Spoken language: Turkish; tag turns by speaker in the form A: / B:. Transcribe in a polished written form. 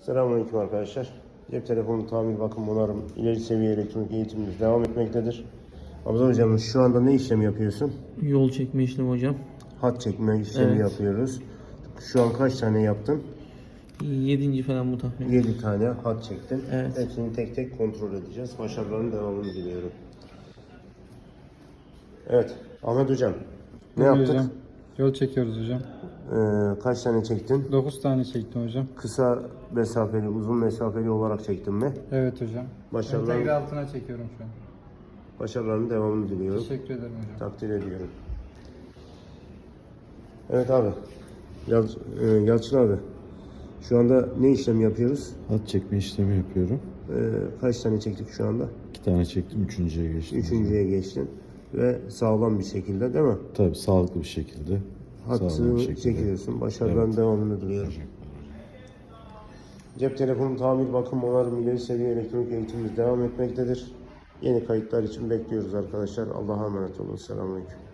A: Selamünaleyküm arkadaşlar. Cep telefonu tamir, bakım, onarım, ileri seviye elektronik eğitimimiz devam etmektedir. Abdullah hocam, şu anda ne işlemi yapıyorsun?
B: Yol çekme işlemi hocam.
A: Hat çekme işlemi yapıyoruz. Şu an kaç tane yaptın?
B: 7. falan bu tahmin.
A: 7 tane hat çektin.
B: Evet.
A: Hepsini tek tek kontrol edeceğiz. Başarıların devamını diliyorum. Evet, Ahmet hocam. Ne
C: Buyur
A: yaptık?
C: hocam. Yol çekiyoruz hocam.
A: Kaç tane çektin?
C: 9 tane çektim hocam.
A: Kısa mesafeli, uzun mesafeli olarak çektin mi?
C: Evet hocam.
A: Başarılar.
C: Entegre altına çekiyorum şu an.
A: Başarıların devamını diliyorum.
C: Teşekkür ederim hocam.
A: Takdir ediyorum. Evet abi. Yalçın abi. Şu anda ne işlem yapıyoruz?
D: Hat çekme işlemi yapıyorum.
A: Kaç tane çektik şu anda?
D: 2 tane çektim, üçüncüye geçtim.
A: Üçüncüye geçtin. Ve sağlam bir şekilde, değil mi?
D: Tabii sağlıklı bir şekilde. sağlam
A: Hattını
D: bir şekilde.
A: çekiyorsun. Başarıların
D: Evet.
A: devamını diliyorum. Cep telefonu tamir, bakım, onarım, ileri seviye elektronik eğitimimiz devam etmektedir. Yeni kayıtlar için bekliyoruz arkadaşlar. Allah'a emanet olun. Selamünaleyküm.